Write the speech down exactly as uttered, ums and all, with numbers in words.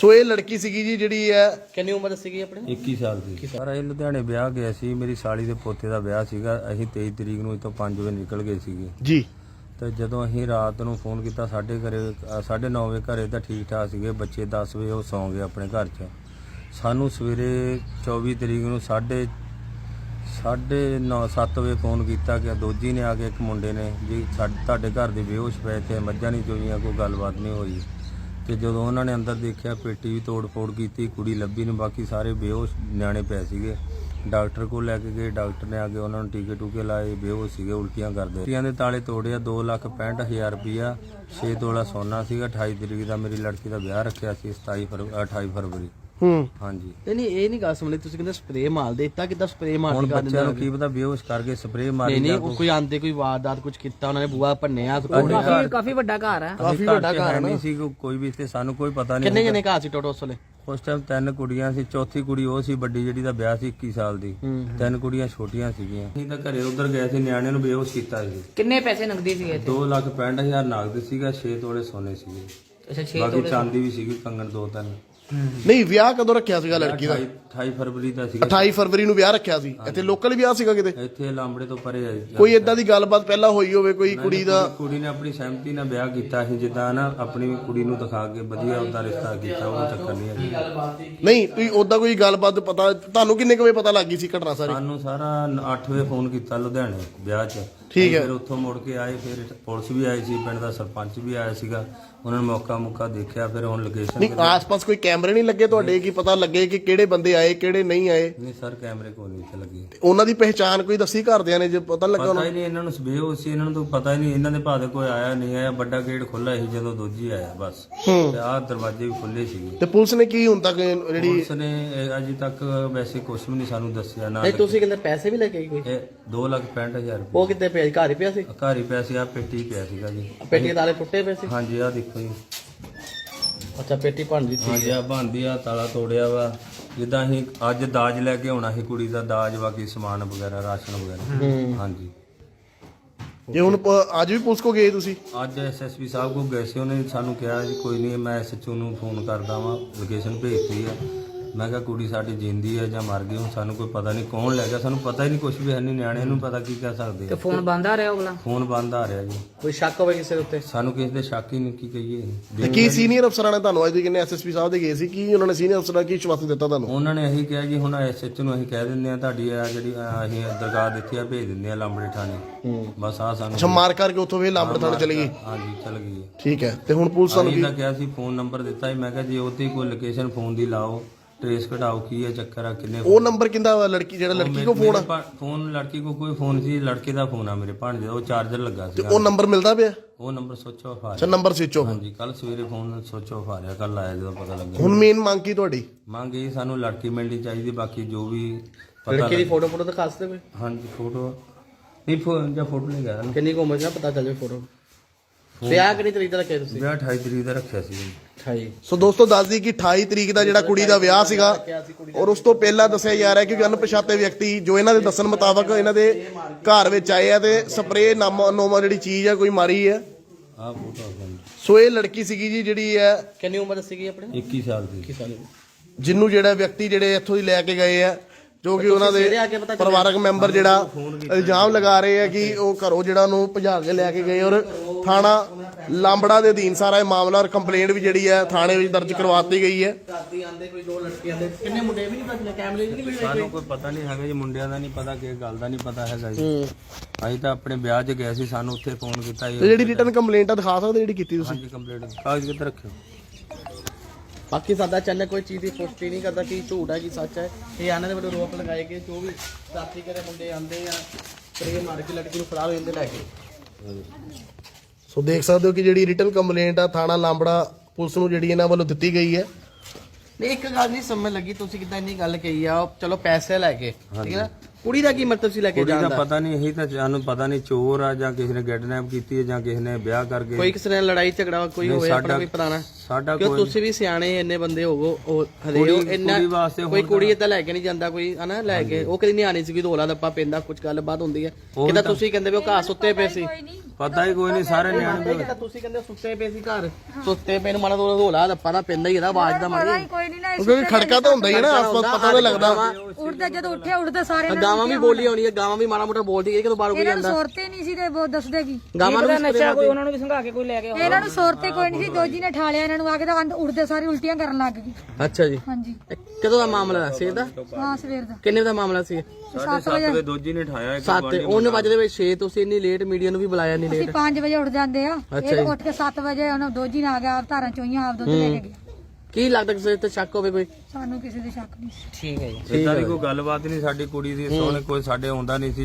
ਸੋ ਇਹ ਲੜਕੀ ਸੀਗੀ ਜੀ ਜਿਹੜੀ ਹੈ, ਕਿੰਨੀ ਉਮਰ ਸੀਗੀ ਆਪਣੀ? ਇੱਕੀ ਸਾਲ ਦੀ। ਪਰ ਇਹ ਲੁਧਿਆਣੇ ਵਿਆਹ ਗਿਆ ਸੀ, ਮੇਰੀ ਸਾਲੀ ਦੇ ਪੋਤੇ ਦਾ ਵਿਆਹ ਸੀਗਾ। ਅਸੀਂ ਤੇਈ ਤਰੀਕ ਨੂੰ ਇੱਥੋਂ ਪੰਜ ਵਜੇ ਨਿਕਲ ਗਏ ਸੀਗੇ ਜੀ। ਤੇ ਜਦੋਂ ਅਸੀਂ ਰਾਤ ਨੂੰ ਫੋਨ ਕੀਤਾ ਸਾਡੇ ਘਰੇ ਸਾਢੇ ਨੌ ਵਜੇ ਘਰੇ ਤਾਂ ਠੀਕ ਠਾਕ ਸੀਗੇ ਬੱਚੇ, ਦਸ ਵਜੇ ਉਹ ਸੌਂ ਗਏ ਆਪਣੇ ਘਰ 'ਚ। ਸਾਨੂੰ ਸਵੇਰੇ ਚੌਵੀ ਤਰੀਕ ਨੂੰ ਸਾਢੇ ਸਾਢੇ ਨੌ ਸੱਤ ਵਜੇ ਫੋਨ ਕੀਤਾ ਕਿ ਦੋਜੀ ਨੇ ਆ ਕੇ ਇੱਕ ਮੁੰਡੇ ਨੇ ਜੀ ਸਾਡੇ ਤੁਹਾਡੇ ਘਰ ਦੇ ਬੇਹੋਸ਼ ਪਏ ਤੇ ਮੱਝਾਂ ਨਹੀਂ ਚੋਈਆਂ, ਕੋਈ ਗੱਲਬਾਤ ਨਹੀਂ ਹੋਈ। ਤੇ ਜਦੋਂ ਉਹਨਾਂ ਨੇ ਅੰਦਰ ਦੇਖਿਆ ਪੇਟੀ ਵੀ ਤੋੜ ਫੋੜ ਕੀਤੀ, ਕੁੜੀ ਲੱਭੀ ਨਹੀਂ, ਬਾਕੀ ਸਾਰੇ ਬੇਹੋਸ਼ ਨਿਆਣੇ ਪਏ ਸੀਗੇ। ਡਾਕਟਰ ਕੋਲ ਲੈ ਕੇ ਗਏ, ਡਾਕਟਰ ਨੇ ਆ ਕੇ ਉਹਨਾਂ ਨੂੰ ਟੀਕੇ ਟੂਕੇ ਲਾਏ, ਬੇਹੋਸ਼ ਸੀਗੇ, ਉਲਟੀਆਂ ਕਰਦੇ। ਉਲਟੀਆਂ ਦੇ ਤਾਲੇ ਤੋੜਿਆ। ਦੋ ਲੱਖ ਪੈਂਹਠ ਹਜ਼ਾਰ ਰੁਪਈਆ, ਛੇ ਤੋਲਾ ਸੋਨਾ ਸੀਗਾ। ਅਠਾਈ ਤਰੀਕ ਦਾ ਮੇਰੀ ਲੜਕੀ ਦਾ ਵਿਆਹ ਰੱਖਿਆ ਸੀ, ਸਤਾਈ ਫਰਵਰੀ ਅਠਾਈ ਫਰਵਰੀ। ਹੂੰ ਹਾਂਜੀ। ਨਹੀਂ ਨਹੀਂ ਇਹ ਨਹੀਂ ਗੱਲ ਸੁਣ ਲਈ ਤੁਸੀਂ, ਕਹਿੰਦੇ ਸਪਰੇਅ ਮਾਰ ਦੇ ਦਿੱਤਾ, ਕਿੱਦਾਂ ਸਪਰੇਅ ਮਾਰ ਹੁਣ ਕੇ ਬੱਚਿਆਂ ਨੂੰ ਕੀ ਪਤਾ ਬੇਹੋਸ਼ ਕਰਕੇ ਸਪਰੇਅ ਮਾਰੀ ਨਹੀਂ ਨਹੀਂ ਕੋਈ ਆਂਦੇ ਕੋਈ ਵਾਰਦਾਤ ਕੁਝ ਕੀਤਾ ਉਹਨਾਂ ਨੇ, ਬੂਆ ਭੰਨਿਆ। ਕਾਫੀ ਕਾਫੀ ਵੱਡਾ ਘਰ ਹੈ, ਕਾਫੀ ਵੱਡਾ ਘਰ ਨਹੀਂ ਸੀ ਕੋਈ ਵੀ, ਤੇ ਸਾਨੂੰ ਕੋਈ ਪਤਾ ਨਹੀਂ। ਕਿੰਨੇ ਜਣੇ ਘਰ ਸੀ ਟੋਟਲ ਉਸ ਵੇਲੇ? ਉਸ ਟਾਈਮ ਤਿੰਨ ਕੁੜੀਆਂ ਸੀ, ਚੌਥੀ ਕੁੜੀ ਉਹ ਸੀ ਵੱਡੀ ਜਿਹੜੀ ਦਾ ਵਿਆਹ ਸੀ ਇੱਕੀ ਸਾਲ ਦੀ, ਤਿੰਨ ਕੁੜੀਆਂ ਛੋਟੀਆਂ ਸੀਗੀਆਂ। ਅਸੀਂ ਤਾਂ ਘਰੇ ਉਧਰ ਗਏ ਸੀ, ਨਿਆਣਿਆਂ ਨੂੰ ਬੇਹੋਸ਼ ਕੀਤਾ ਸੀ। ਕਿੰਨੇ ਪੈਸੇ ਨਗਦੀ ਸੀਗੇ? ਦੋ ਲੱਖ ਪੈਂਹਠ ਹਜ਼ਾਰ ਨਗਦ ਸੀਗਾ, ਛੇ ਤੋਲੇ ਸੋਨੇ ਸੀਗੇ। ਅੱਛਾ ਛੇ ਬਾਕੀ ਚਾਂਦੀ ਵੀ ਸੀਗੀ, ਕੰਗਣ ਦੋ ਤਿੰਨ। ਨਹੀਂ ਵਿਆਹ ਕਦੋਂ ਰੱਖਿਆ ਸੀਗਾ ਲੜਕੀ ਦਾ? ਅਠਾਈ ਫਰਵਰੀ ਦਾ ਸੀਗਾ। ਅਠਾਈ ਫਰਵਰੀ ਨੂੰ ਵਿਆਹ ਰੱਖਿਆ ਸੀ। ਇੱਥੇ ਲੋਕਲ ਵਿਆਹ ਸੀਗਾ ਕਿਤੇ? ਇੱਥੇ ਲਾਂਬੜੇ ਤੋਂ ਪਰੇ ਆਈ। ਕੋਈ ਏਦਾਂ ਦੀ ਗੱਲਬਾਤ ਪਹਿਲਾਂ ਹੋਈ ਹੋਵੇ ਕੋਈ ਕੁੜੀ ਦਾ? ਕੁੜੀ ਨੇ ਆਪਣੀ ਸਹਿਮਤੀ ਨਾਲ ਵਿਆਹ ਕੀਤਾ ਸੀ, ਜਿੱਦਾਂ ਨਾ ਆਪਣੀ ਕੁੜੀ ਨੂੰ ਦਿਖਾ ਕੇ ਵਧੀਆ ਉਹਦਾ ਰਿਸ਼ਤਾ ਕੀਤਾ, ਉਹ ਚੱਕਰ ਨਹੀਂ ਹੈ। ਨਹੀਂ ਤੁਸੀਂ ਓਦਾਂ ਕੋਈ ਗੱਲਬਾਤ ਪਤਾ ਤੁਹਾਨੂੰ ਕਿੰਨੇ ਕੁ ਵਜੇ ਪਤਾ ਲੱਗੀ ਸੀ ਘਟਨਾ ਸਾਰੀ? ਸਾਨੂੰ ਸਾਰਾ ਅੱਠ ਵਜੇ ਫੋਨ ਕੀਤਾ ਲੁਧਿਆਣੇ ਵਿਆਹ 'ਚ। ਠੀਕ ਹੈ। ਫਿਰ ਉੱਥੋਂ ਮੁੜ ਕੇ ਆਏ, ਫਿਰ ਪੁਲਿਸ ਵੀ ਆਈ ਸੀ, ਪਿੰਡ ਦਾ ਸਰਪੰਚ ਵੀ ਆਇਆ ਸੀਗਾ। ਉਹਨਾਂ ਨੇ ਮੌਕਾ ਮੁੱਕਾ ਦੇਖਿਆ, ਫਿਰ ਹੁਣ ਲੋਕੇਸ਼ਨ ਨਹੀਂ ਆਸ-ਪਾਸ ਕੋਈ ਕੈਮਰੇ ਨਹੀਂ ਲੱਗੇ ਤੁਹਾਡੇ ਕਿ ਪਤਾ ਲੱਗੇ ਕਿ ਕਿਹੜੇ ਬੰਦੇ ਆਏ ਕਿਹੜੇ ਨਹੀਂ ਆਏ? ਨਹੀਂ ਸਰ, ਕੈਮਰੇ ਕੋਈ ਨਹੀਂ ਇੱਥੇ ਲੱਗੇ। ਉਹਨਾਂ ਦੀ ਪਹਿਚਾਣ ਕੋਈ ਦੱਸੀ ਘਰਦਿਆਂ ਨੇ ਜੇ ਪਤਾ ਲੱਗਾ ਪਤਾ ਉਹਨਾਂ ਹੀ ਨਹੀਂ ਇਹਨਾਂ ਨੂੰ, ਬੇਹੋਸ਼ ਸੀ, ਇਹਨਾਂ ਨੂੰ ਤਾਂ ਪਤਾ ਹੀ ਨਹੀਂ। ਇਹਨਾਂ ਦੇ ਭਾਵੇਂ ਕੋਈ ਆਇਆ ਨਹੀਂ ਆਇਆ, ਵੱਡਾ ਗੇਟ ਖੁੱਲਾ ਸੀ ਜਦੋਂ ਦੋਜੀ ਆਇਆ ਬਸ, ਤੇ ਆਹ ਦਰਵਾਜ਼ੇ ਵੀ ਖੁੱਲੇ ਸੀਗੇ। ਤੇ ਪੁਲਿਸ ਨੇ ਕੀ ਹੁਣ ਤੱਕ ਜਿਹੜੀ ਪੁਲਿਸ ਨੇ ਇਹ ਅਜੇ ਤੱਕ ਵੈਸੇ ਕੁਝ ਵੀ ਨਹੀਂ ਸਾਨੂੰ ਦੱਸਿਆ ਨਾ। ਨਹੀਂ ਤੁਸੀਂ ਕਹਿੰਦੇ ਪੈਸੇ ਵੀ ਲੈ ਕੇ ਆਈ ਕੋਈ? ਇਹ ਦੋ ਲੱਖ ਪੈਂਹਠ ਹਜ਼ਾਰ ਉਹ ਰੁਪਏ ਕਿੱਥੇ ਪਿਆ? ਘਰ ਹੀ ਪਿਆ ਸੀ? ਘਰ ਹੀ ਪੈਸੇ ਆ ਪੇਟੀ ਪਿਆ ਸੀਗਾ ਜੀ। ਪੇਟੀ ਦੇ ਤਾਲੇ ਟੁੱਟੇ ਪਏ ਸੀ? ਹਾਂਜੀ ਆਹ ਦੇਖੋ ਜੀ। ਅੱਛਾ ਪੇਟੀ ਭੰਨ ਦਿੱਤੀ। ਹਾਂਜੀ ਆ ਬੰਦੀ ਆ, ਤਾਲਾ ਤੋੜਿਆ ਵਾ। ਜਿੱਦਾਂ ਅਸੀਂ ਅੱਜ ਦਾਜ ਲੈ ਕੇ ਆਉਣਾ ਸੀ ਕੁੜੀ ਦਾ ਦਾਜ, ਬਾਕੀ ਸਮਾਨ ਵਗੈਰਾ, ਰਾਸ਼ਨ ਵਗੈਰਾ। ਹਾਂਜੀ। ਜੇ ਹੁਣ ਪ- ਅੱਜ ਵੀ ਪੁਲਿਸ ਕੋ ਗਏ ਤੁਸੀਂ? ਅੱਜ ਐਸਐਸਪੀ ਸਾਹਿਬ ਕੋਲ ਗਏ ਸੀ, ਉਹਨੇ ਸਾਨੂੰ ਕਿਹਾ ਜੀ ਕੋਈ ਨਹੀਂ ਮੈਂ ਐਸਐਚਓ ਨੂੰ ਫੋਨ ਕਰਦਾ ਵਾਂ, ਲੋਕੇਸ਼ਨ ਭੇਜਤੀ ਆ। ਮੈਂ ਕਿਹਾ ਕੁੜੀ ਸਾਡੀ ਜਿੰਦੀ ਹੈ ਜਾਂ ਮਰ ਗਈ, ਹੁਣ ਸਾਨੂੰ ਕੋਈ ਪਤਾ ਨਹੀਂ ਕੌਣ ਲੈ ਗਿਆ, ਸਾਨੂੰ ਪਤਾ ਹੀ ਨਹੀਂ ਕੁਝ ਵੀ ਹੈ ਨਹੀਂ। ਨਿਆਣੇ ਨੂੰ ਪਤਾ ਕੀ ਕਹਿ ਸਕਦੇ ਤੇ ਆ। ਫੋਨ ਬੰਦ ਆ ਰਿਹਾ ਉਹਲਾ? ਫੋਨ ਬੰਦ ਆ ਰਿਹਾ ਜੀ। ਕੋਈ ਸ਼ੱਕ ਹੋਵੇ ਕਿਸੇ ਦੇ ਉੱਤੇ? ਸਾਨੂੰ ਕਿਸੇ ਦੇ ਸ਼ੱਕ ਹੀ ਨਹੀਂ, ਕੀ ਕਹੀਏ। ਤੇ ਕੀ ਸੀਨੀਅਰ ਅਫਸਰਾਂ ਨੇ ਤੁਹਾਨੂੰ ਅੱਜ ਦੇ ਕਿੰਨੇ ਐਸਐਸਪੀ ਸਾਹਿਬ ਦੇ ਗਏ ਸੀ, ਕੀ ਉਹਨਾਂ ਨੇ ਸੀਨੀਅਰ ਅਫਸਰਾਂ ਕੀ ਵਿਸ਼ਵਾਸ ਦਿੱਤਾ ਤੁਹਾਨੂੰ? ਉਹਨਾਂ ਨੇ ਇਹੀ ਕਿਹਾ ਜੀ ਹੁਣ ਐਸਐਚਓ ਨੂੰ ਅਸੀਂ ਕਹਿ ਦਿੰਦੇ ਆ ਤੁਹਾਡੀ ਆ ਜਿਹੜੀ ਅਹ, ਅਸੀਂ ਦਰਗਾਹ ਦਿੱਤੀ ਆ, ਭੇਜ ਦਿੰਦੇ ਆ ਲਾਂਬੜੇ ਥਾਣੇ। ਬਸ ਆ ਸਾਨੂੰ ਅੱਛਾ ਮਾਰ ਕਰਕੇ ਉੱਥੋਂ ਵੇ ਲਾਂਬੜ ਥਾਣੇ ਚਲੀ ਗਈ? ਹਾਂਜੀ ਚਲ ਗਈ ਹੈ। ਠੀਕ ਹੈ। ਤੇ ਹੁਣ ਪੁਲਿਸ ਤੁਹਾਨੂੰ ਅਸੀਂ ਕੀ ਤਾਂ ਕਿਹਾ ਸੀ, ਫੋਨ ਨੰਬਰ ਦਿੱਤਾ ਸੀ, ਮੈਂ ਕਿਹਾ ਜੀ ਉਹਤੇ ਕੋਈ ਲੋਕੇਸ਼ਨ ਫੋਨ ਦੀ ਲਾਓ, ਟ੍ਰੇਸ ਕਢਾਓ ਕੀ ਹੈ ਚੱਕਰ ਆ, ਕਿੰਨੇ ਉਹ ਨੰਬਰ ਕਿੰਦਾ ਵਾ? ਲੜਕੀ ਜਿਹੜਾ ਲੜਕੀ ਕੋ ਫੋਨ ਆ? ਫੋਨ ਲੜਕੀ ਕੋ ਕੋਈ ਫੋਨ ਸੀ, ਲੜਕੇ ਦਾ ਫੋਨ ਆ ਮੇਰੇ ਭਾਣਜੇ ਦਾ, ਉਹ ਚਾਰਜਰ ਲੱਗਾ ਸੀ। ਉਹ ਨੰਬਰ ਮਿਲਦਾ ਪਿਆ? ਉਹ ਨੰਬਰ ਸੋਚੋ ਆਫ ਆ ਅੱਛਾ ਰਿਹਾ। Number switch off. ਹਾਂਜੀ ਕੱਲ ਸਵੇਰੇ ਫੋਨ ਸੋਚੋ ਆਫ ਆ ਰਿਹਾ, ਕੱਲ ਆਇਆ ਜਦੋਂ ਪਤਾ ਲੱਗਿਆ। ਹੁਣ ਮੇਨ ਮੰਗ ਕੀ ਤੁਹਾਡੀ? ਮੰਗ ਇਹ ਸਾਨੂੰ ਲੜਕੀ ਮਿਲਣੀ ਚਾਹੀਦੀ, ਬਾਕੀ ਜੋ ਵੀ ਪਤਾ ਲੜਕੀ ਦੀ ਲੱਗ- ਫੋਟੋ ਫੋਟੋ ਦਿਖਾ ਸਕਦੇ ਕੋਈ? ਹਾਂਜੀ ਫੋਟੋ ਨਹੀਂ, ਫੋਨ ਜਾਂ ਫੋਟੋ ਨਹੀਂ ਗਿਆ। ਕਿੰਨੀ ਕੁ ਉਮਰ ਸੀ ਨਾ ਪਤਾ ਚੱਲ ਜਾਵੇ ਫੋਟੋ। ਵਿਆਹ ਕਿੰਨੀ ਤਰੀਕ ਦਾ ਰੱਖਿਆ ਤੁਸੀਂ? ਵਿਆਹ ਅਠਾਈ ਤਰੀਕ ਦਾ ਰੱਖਿਆ ਸੀ। ਅਠਾਈ। ਸੋ ਦੋਸਤੋ ਦੱਸਦੀ ਕਿ ਅਠਾਈ ਤਰੀਕ ਦਾ ਜਿਹੜਾ ਕੁੜੀ ਦਾ ਵਿਆਹ ਸੀਗਾ, ਔਰ ਉਸ ਤੋਂ ਪਹਿਲਾਂ ਦੱਸਿਆ ਜਾ ਰਿਹਾ ਕਿ ਅਣਪਛਾਤੇ ਵਿਅਕਤੀ ਜੋ ਇਹਨਾਂ ਦੇ ਦੱਸਣ ਮੁਤਾਬਕ ਇਹਨਾਂ ਦੇ ਘਰ ਵਿੱਚ ਆਏ ਆ ਤੇ ਸਪਰੇਅ ਨਾਮਾ ਨੋਮਾ ਜਿਹੜੀ ਚੀਜ਼ ਆ ਕੋਈ ਮਾਰੀ ਹੈ। ਆਹ ਫੋਟੋ ਆ ਭਾਈ। ਸੋ ਇਹ ਲੜਕੀ ਸੀਗੀ ਜੀ ਜਿਹੜੀ ਹੈ ਕਿੰਨੀ ਉਮਰ ਸੀਗੀ ਆਪਣੀ? ਇੱਕੀ ਸਾਲ ਦੀ। ਇੱਕੀ ਸਾਲ। ਜਿਹਨੂੰ ਜਿਹੜਾ ਵਿਅਕਤੀ ਜਿਹੜੇ ਇੱਥੋਂ ਦੀ ਲੈ ਕੇ ਗਏ ਆ, ਜੋ ਕਿ ਉਹਨਾਂ ਦੇ ਪਰਿਵਾਰਕ ਮੈਂਬਰ ਜਿਹੜਾ ਇਲਜ਼ਾਮ ਲਗਾ ਰਹੇ ਆ ਕਿ ਉਹ ਘਰੋਂ ਜਿਹੜਾ ਉਹਨੂੰ ਭਜਾ ਕੇ ਲੈ ਕੇ ਗਏ, ਔਰ ਥਾਣਾ ਲਾਂਬੜਾ ਦੇ ਅਧੀਨ ਸਾਰਾ ਇਹ ਮਾਮਲਾ ਔਰ ਕੰਪਲੇਂਟ ਵੀ ਜਿਹੜੀ ਹੈ ਥਾਣੇ ਵਿੱਚ ਦਰਜ ਕਰਵਾਤੀ ਗਈ ਹੈ। ਰਾਤੀ ਆਂਦੇ ਕੋਈ ਦੋ ਲੜਕੀਆਂ ਦੇ, ਕਿੰਨੇ ਮੁੰਡੇ ਵੀ ਨਹੀਂ ਪਤਾ, ਕੈਮਰੇ ਵੀ ਨਹੀਂ ਸਾਨੂੰ ਕੋਈ ਪਤਾ ਨਹੀਂ ਹੈਗਾ ਜੀ, ਮੁੰਡਿਆਂ ਦਾ ਨਹੀਂ ਪਤਾ, ਕਿਸੇ ਗੱਲ ਦਾ ਨਹੀਂ ਪਤਾ ਹੈਗਾ ਜੀ। ਅਸੀਂ ਤਾਂ ਆਪਣੇ ਵਿਆਹ 'ਚ ਗਏ ਸੀ, ਸਾਨੂੰ ਉੱਥੇ ਫੋਨ ਕੀਤਾ ਜੀ। ਤੇ ਜਿਹੜੀ ਰਿਟਨ ਕੰਪਲੇਂਟ ਆ ਦਿਖਾ ਸਕਦੇ ਜਿਹੜੀ ਕੀਤੀ ਤੁਸੀਂ? ਹਾਂਜੀ ਕੰਪਲੀਟ ਕਾਗਜ਼ ਕਿੱਥੇ ਰੱਖਿਓ? ਬਾਕੀ ਸਾਡਾ ਚੈਨਲ ਕੋਈ ਚੀਜ਼ ਦੀ ਪੁਸ਼ਟੀ ਨਹੀਂ ਕਰਦਾ ਕਿ ਝੂਠ ਹੈ ਕਿ ਸੱਚ ਹੈ। ਇਹ ਆਨੇ ਦੇ ਵੱਲੋਂ ਰੋਪ ਲਗਾਏ ਗਏ, ਜੋ ਵੀ ਰਾਤੀ ਕਰੇ ਮੁੰਡੇ ਆਂਦੇ ਆ ਸਪਰੇ ਮਾਰ ਕੇ ਲੜਕੀ ਨੂੰ ਫੜਾ ਹੋ ਜਾਂਦੇ ਲੈ ਕੇ। ਸੋ ਦੇਖ ਸਕਦੇ ਹੋ ਕਿ ਜਿਹੜੀ ਰਿਟਨ ਕੰਪਲੇਂਟ ਆ ਥਾਣਾ ਲਾਂਬੜਾ ਪੁਲਿਸ ਨੂੰ ਜਿਹੜੀ ਇਹਨਾਂ ਵੱਲੋਂ ਦਿੱਤੀ ਗਈ ਹੈ। ਨਹੀਂ ਇੱਕ ਗੱਲ ਨਹੀਂ ਸਮਝ ਲੱਗੀ, ਤੁਸੀਂ ਕਿਦਾਂ ਇੰਨੀ ਗੱਲ ਕਹੀ ਆ, ਚਲੋ ਪੈਸੇ ਲੈ ਕੇ ਠੀਕ ਹੈ ਨਾ, ਕੁੜੀ ਦਾ ਕੀ ਮਤਲਬ ਸੀ ਲੈ ਕੇ ਕੁੜੀ ਜਾਣ ਦਾ ਦਾ? ਪਤਾ ਨਹੀਂ, ਇਹੀ ਤਾਂ ਸਾਨੂੰ ਪਤਾ ਨਹੀਂ ਚੋਰ ਆ ਜਾਂ ਕਿਸੇ ਨੇ ਕਿਡਨੈਪ ਕੀਤੀ ਹੈ ਜਾਂ ਕਿਸੇ ਨੇ ਵਿਆਹ ਕਰਕੇ। ਕੋਈ ਕਿਸੇ ਨਾਲ ਲੜਾਈ ਝਗੜਾ ਕੋਈ ਨਹੀਂ, ਹੋਇਆ ਆਪਣਾ ਸਾਡਾ- ਕੋਈ ਪੁਰਾਣਾ? ਸਾਡਾ ਕਿਉਂ ਕੋਈ ਤੁਸੀਂ ਵੀ ਸਿਆਣੇ ਇੰਨੇ ਬੰਦੇ ਹੋਵੋ, ਉਹ ਹਦੇ ਕੁੜੀ- ਉਹ ਇੰਨਾ ਕੁੜੀ ਵਾਸਤੇ ਕੋਈ ਹੁਣ ਕੁੜੀ ਏਦਾਂ ਲੈ ਕੇ ਨਹੀਂ ਜਾਂਦਾ ਕੋਈ ਹਨਾ, ਲੈ ਕੇ ਉਹ ਕਦੀ ਨਹੀਂ ਆਣੀ ਸੀ, ਰੋਲਾ ਦੱਪਾ ਪੈਂਦਾ ਕੁਝ ਗੱਲਬਾਤ ਹੁੰਦੀ ਹੈ ਕਿਦਾਂ ਤੁਸੀਂ ਕਹਿੰਦੇ ਵੀ ਉਹ ਘਰ ਸੁੱਤੇ ਪਏ ਸੀ? ਪਤਾ ਹੀ ਕੋਈ ਨਹੀਂ, ਸਾਰੇ ਨਿਆਣੇ ਕਿਦਾਂ ਤੁਸੀਂ ਕਹਿੰਦੇ ਸੁੱਤੇ ਪਏ ਸੀ ਘਰ, ਸੁੱਤੇ ਪਏ ਨੂੰ ਮਾੜਾ ਥੋੜਾ ਰੋਲਾ ਦੱਪਾ ਦਾ ਪੈਂਦਾ ਹੀ ਇਹਦਾ ਆਵਾਜ਼ ਦਾ ਮਾਰੀ। ਕੋਈ ਨਹੀਂ ਨਾ ਕਿਉਂਕਿ ਖੜਕਾ ਤਾਂ ਹੁੰਦਾ ਹੀ ਹੈ ਨਾ, ਆਸ-ਪਾਸ ਪਤਾ ਤਾਂ ਲੱਗਦਾ। ਉੱਠਦੇ ਜਦੋਂ ਉੱਠੇ ਉੱਠਦੇ ਸਾਰੇ ਨਾਲ ਗਾਵਾਂ ਵੀ ਬੋਲੀ ਹੋਣੀ ਹੈ, ਗਾਵਾਂ ਵੀ ਮਾੜਾ ਮੋਟਾ ਬੋਲਦੀ ਹੈ ਕਿ ਬਾਹਰ ਕੋਈ ਇਹਨਾਂ ਨੂੰ ਜਾਂਦਾ ਸੁਰਤੇ ਨਹੀਂ ਸੀ ਤੇ ਉਹ ਦੱਸਦੇ ਕੀ ਗਾਵਾਂ ਨੂੰ ਨਸ਼ਾ ਕੋਈ ਉਹਨਾਂ ਨੂੰ ਵੀ ਸੰਘਾ ਕੇ ਕੋਈ ਲੈ ਕੇ ਇਹਨਾਂ ਨੂੰ ਸੁਰਤੇ ਕੋਈ ਨਹੀਂ ਸੀ। ਦੋਜੀ ਨੇ ਠਾਲਿਆ ਇਹਨਾਂ ਨੂੰ ਆ ਕੇ ਤਾਂ ਅੰਦ- ਉੱਠਦੇ ਸਾਰੇ ਉਲਟੀਆਂ ਕਰਨ ਲੱਗ ਗਈ। ਅੱਛਾ ਜੀ, ਹਾਂਜੀ ਇਹ ਕਦੋਂ ਦਾ ਮਾਮਲਾ ਸੀ ਇਹਦਾ? ਹਾਂ ਸਵੇਰ ਦਾ ਕਿੰਨੇ ਦਾ ਮਾਮਲਾ ਸੀ? ਸੱਤ ਵਜੇ ਦੋਜੀ ਨੇ ਠਾਇਆ ਸੱਤ ਉਹਨੇ ਵਜੇ ਵਿੱਚ ਛੇ, ਤੁਸੀਂ ਇੰਨੀ ਲੇਟ ਮੀਡੀਆ ਨੂੰ ਵੀ ਬੁਲਾਇਆ ਨਹੀਂ ਅਸੀਂ ਲੇਟ? ਪੰਜ ਵਜੇ ਉੱਠ ਜਾਂਦੇ ਆ, ਅੱਛਾ ਇਹ ਜੀ। ਉੱਠ ਕੇ ਸੱਤ ਵਜੇ ਉਹਨਾਂ ਦੋਜੀ ਨੇ ਆ ਗਿਆ, ਆਪ ਧਾਰਾਂ ਚੋਈਆਂ ਆਪ ਦੁੱਧ ਲੈ ਕੇ ਗਿਆ। ਕੀ ਲੱਗਦਾ ਕਿਸੇ ਤੇ ਸ਼ੱਕ ਹੋਵੇ ਕੋਈ? ਸਾਨੂੰ ਕਿਸੇ ਦੇ ਸ਼ੱਕ ਨਹੀਂ ਸੀ। ਠੀਕ ਹੈ ਜੀ। ਇਦਾਂ ਦੀ ਕੋਈ ਗੱਲਬਾਤ ਨਹੀਂ ਸਾਡੀ ਕੁੜੀ ਦੀ, ਸੋਹਣੇ ਕੋਈ ਸਾਡੇ ਆਉਂਦਾ ਨਹੀਂ ਸੀ।